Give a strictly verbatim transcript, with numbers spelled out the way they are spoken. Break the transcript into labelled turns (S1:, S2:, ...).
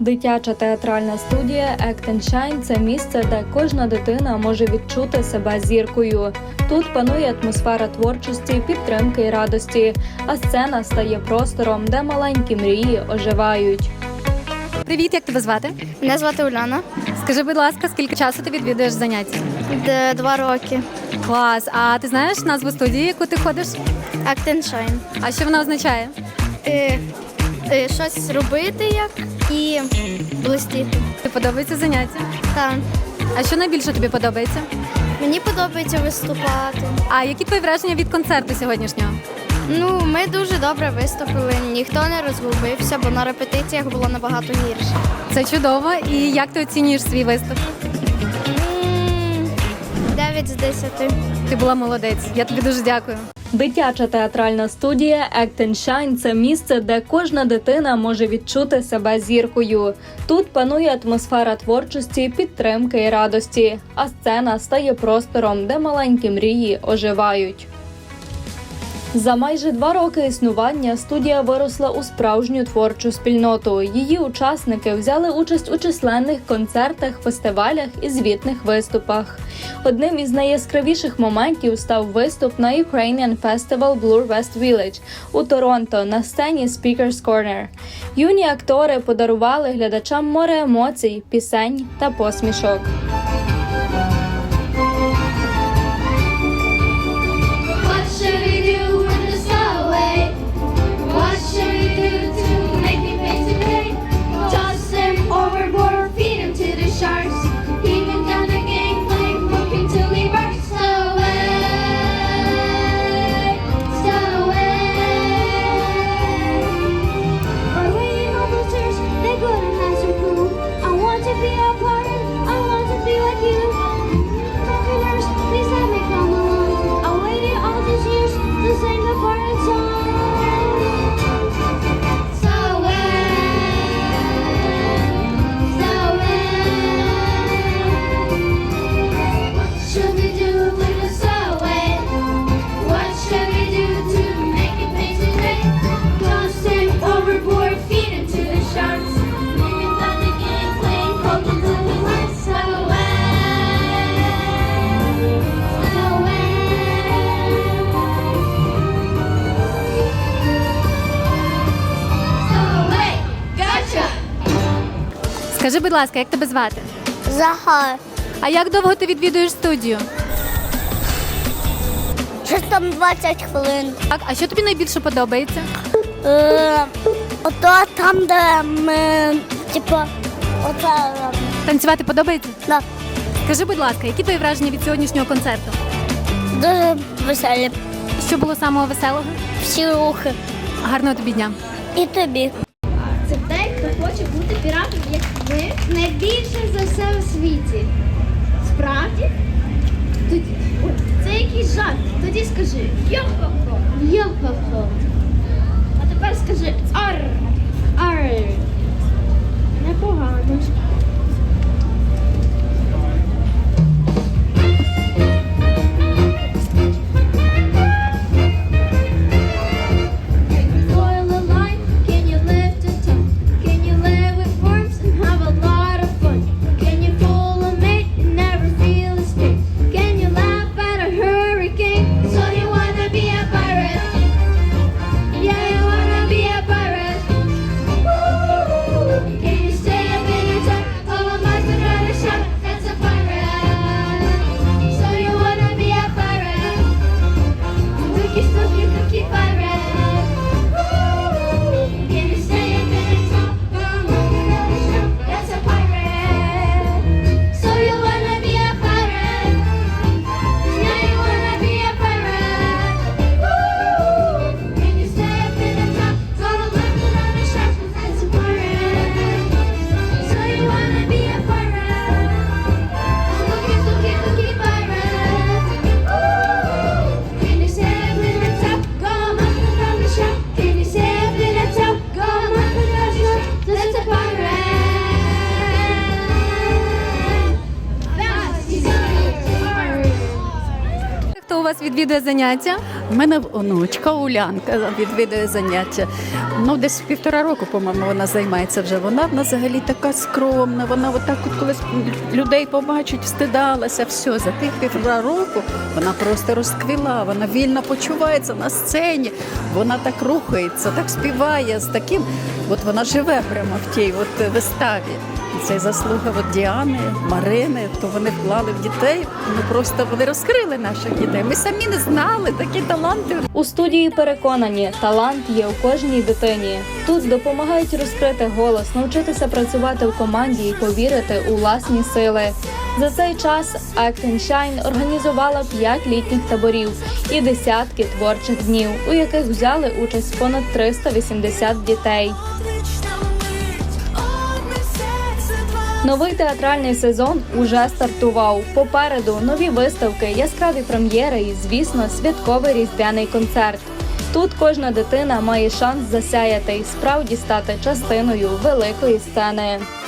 S1: Дитяча театральна студія Act and Shine – це місце, де кожна дитина може відчути себе зіркою. Тут панує атмосфера творчості, підтримки і радості, а сцена стає простором, де маленькі мрії оживають.
S2: Привіт, як тебе звати?
S3: Мене звати Уляна.
S2: Скажи, будь ласка, скільки часу ти відвідуєш заняття?
S3: Д- Два роки.
S2: Клас. А ти знаєш назву студії, яку ти ходиш?
S3: Act and Shine.
S2: А що вона означає?
S3: Е, е, щось робити як і блистіти.
S2: Тобі подобається заняття?
S3: Так.
S2: А що найбільше тобі подобається?
S3: Мені подобається виступати.
S2: А які твої враження від концерту сьогоднішнього?
S3: Ну, ми дуже добре виступили, ніхто не розгубився, бо на репетиціях було набагато гірше.
S2: Це чудово. І як ти оцінюєш свій виступ?
S3: М, Дев'ять з десяти.
S2: Ти була молодець. Я тобі дуже дякую.
S1: Дитяча театральна студія Act and Shine – це місце, де кожна дитина може відчути себе зіркою. Тут панує атмосфера творчості, підтримки і радості, а сцена стає простором, де маленькі мрії оживають. За майже два роки існування студія виросла у справжню творчу спільноту. Її учасники взяли участь у численних концертах, фестивалях і звітних виступах. Одним із найяскравіших моментів став виступ на Ukrainian Festival Bloor West Village у Торонто на сцені Speaker's Corner. Юні актори подарували глядачам море емоцій, пісень та посмішок.
S2: Скажи, будь ласка, як тебе звати?
S3: Захар.
S2: А як довго ти відвідуєш студію?
S3: Щось там двадцять хвилин.
S2: Так, а що тобі найбільше подобається?
S3: Е, ото там, де ми, типу, оце робимо.
S2: Танцювати подобається?
S3: Да.
S2: Скажи, будь ласка, які твої враження від сьогоднішнього концерту?
S3: Дуже веселі.
S2: Що було самого веселого?
S3: Всі рухи.
S2: Гарного тобі дня.
S3: І тобі.
S4: Це той, хто хоче бути піратом, як ви, найбільше за все у світі. Справді? Тоді, ой, це якийсь жарт. Тоді скажи йо-хо-хо, йо-хо-хо. А тепер скажи ар, ар. Непогано.
S2: вас відвідує заняття?
S5: У мене онучка Улянка відвідує заняття. Ну, десь півтора року, по-моєму, вона займається вже. Вона взагалі така скромна, вона отак от колись людей побачить, стидалася, все. За тих півтора року вона просто розквіла, вона вільно почувається на сцені, вона так рухається, так співає, з таким, от вона живе прямо в тій от виставі. Це заслуга от Діани, Марини, то вони вклали в дітей, ну просто вони розкрили наших дітей. Ми самі не знали, такі таланти.
S1: У студії переконані, талант є у кожній дитині. Тут допомагають розкрити голос, навчитися працювати в команді і повірити у власні сили. За цей час Act and Shine організувала п'ять літніх таборів і десятки творчих днів, у яких взяли участь понад триста вісімдесят дітей. Новий театральний сезон уже стартував. Попереду нові виставки, яскраві прем'єри і, звісно, святковий різдвяний концерт. Тут кожна дитина має шанс засяяти і справді стати частиною великої сцени.